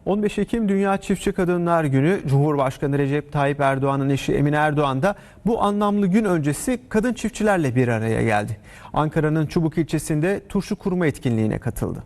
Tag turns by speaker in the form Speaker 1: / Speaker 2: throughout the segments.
Speaker 1: 15 Ekim Dünya Çiftçi Kadınlar Günü. Cumhurbaşkanı Recep Tayyip Erdoğan'ın eşi Emine Erdoğan da bu anlamlı gün öncesi kadın çiftçilerle bir araya geldi. Ankara'nın Çubuk ilçesinde turşu kurma etkinliğine katıldı.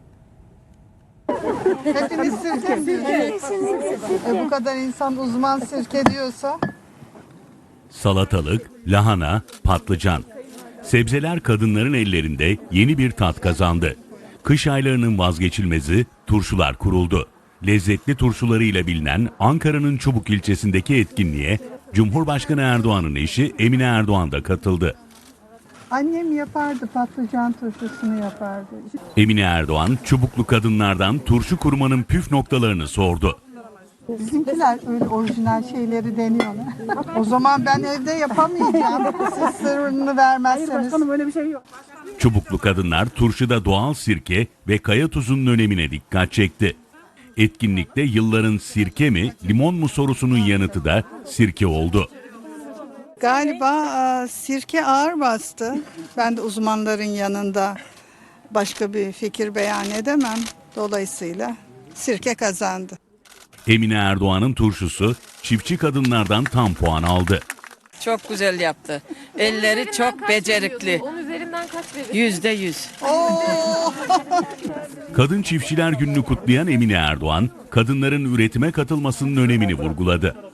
Speaker 2: Hepimiz sirke mi? Bu kadar insan uzman sirke diyorsa.
Speaker 3: Salatalık, lahana, patlıcan. Sebzeler kadınların ellerinde yeni bir tat kazandı. Kış aylarının vazgeçilmezi turşular kuruldu. Lezzetli turşularıyla bilinen Ankara'nın Çubuk ilçesindeki etkinliğe Cumhurbaşkanı Erdoğan'ın eşi Emine Erdoğan da katıldı.
Speaker 2: Annem yapardı, patlıcan turşusunu yapardı.
Speaker 3: Emine Erdoğan, Çubuklu kadınlardan turşu kurmanın püf noktalarını sordu.
Speaker 2: Bizimkiler öyle orijinal şeyleri deniyorlar. O zaman ben evde yapamayacağım. Siz sırrını vermezseniz.
Speaker 3: Çubuklu kadınlar turşuda doğal sirke ve kaya tuzunun önemine dikkat çekti. Etkinlikte yılların sirke mi, limon mu sorusunun yanıtı da sirke oldu.
Speaker 2: Galiba sirke ağır bastı. Ben de uzmanların yanında başka bir fikir beyan edemem. Dolayısıyla sirke kazandı.
Speaker 3: Emine Erdoğan'ın turşusu çiftçi kadınlardan tam puan aldı.
Speaker 4: Çok güzel yaptı. Elleri çok becerikli.
Speaker 5: 10 üzerinden kaç veriyorsun?
Speaker 4: %100.
Speaker 3: Kadın Çiftçiler Günü'nü kutlayan Emine Erdoğan, kadınların üretime katılmasının önemini vurguladı.